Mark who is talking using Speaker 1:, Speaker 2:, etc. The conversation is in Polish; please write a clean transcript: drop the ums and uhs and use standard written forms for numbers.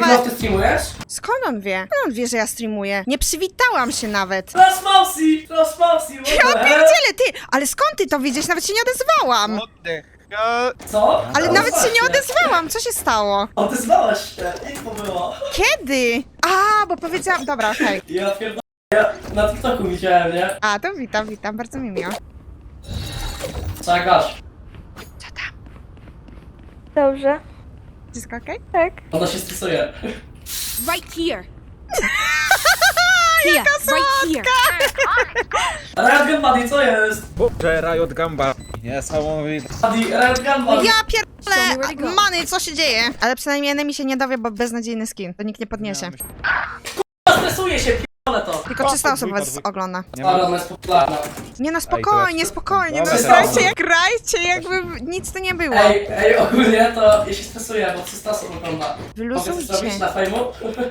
Speaker 1: Minecraft ty streamujesz?
Speaker 2: Skąd on wie? Skąd on wie, że ja streamuję? Nie przywitałam się nawet.
Speaker 1: Las Mausi!
Speaker 2: Ja pierdzielę, ty! Ale skąd ty to widzisz? Nawet się nie odezwałam.
Speaker 1: Co?
Speaker 2: Ale nawet się nie
Speaker 1: właśnie.
Speaker 2: odezwałam. Co się stało?
Speaker 1: Odezwałaś się, info było.
Speaker 2: Kiedy? A, bo powiedziałam... Dobra, okej.
Speaker 1: Ja pierdolę, ja na TikToku widziałem, nie?
Speaker 2: A, to witam, bardzo mi miło.
Speaker 1: Co jak gasz?
Speaker 2: Co tam?
Speaker 3: Dobrze.
Speaker 2: Wszystko okej?
Speaker 3: Tak.
Speaker 1: Ona się stresuje.
Speaker 4: Right here. Here, right here.
Speaker 1: Riot Gun Buddy, co jest?
Speaker 5: Boże, Riot Gamba. Niesamowite.
Speaker 1: Buddy, Riot Gun Buddy.
Speaker 2: Ja
Speaker 4: Show me where to
Speaker 2: pierdolę!
Speaker 4: go.
Speaker 2: Many, co się dzieje? Ale przynajmniej enemy się nie dowie, bo beznadziejny skin. To nikt nie podniesie.
Speaker 1: Stresuje się, p***ole to.
Speaker 2: Tylko 300 osób was ogląda.
Speaker 5: Nie
Speaker 1: Ale
Speaker 5: ma.
Speaker 1: ona jest popularna.
Speaker 2: Nie no,
Speaker 5: Ej,
Speaker 2: spokojnie,
Speaker 5: to
Speaker 2: spokojnie. No
Speaker 5: Dobra,
Speaker 2: grajcie jakby nic tu nie było.
Speaker 1: Ej, ogólnie to ja się stresuję, bo 300 osób ogląda. Mogę coś
Speaker 2: Wyluzujcie.
Speaker 1: zrobić na fejmu?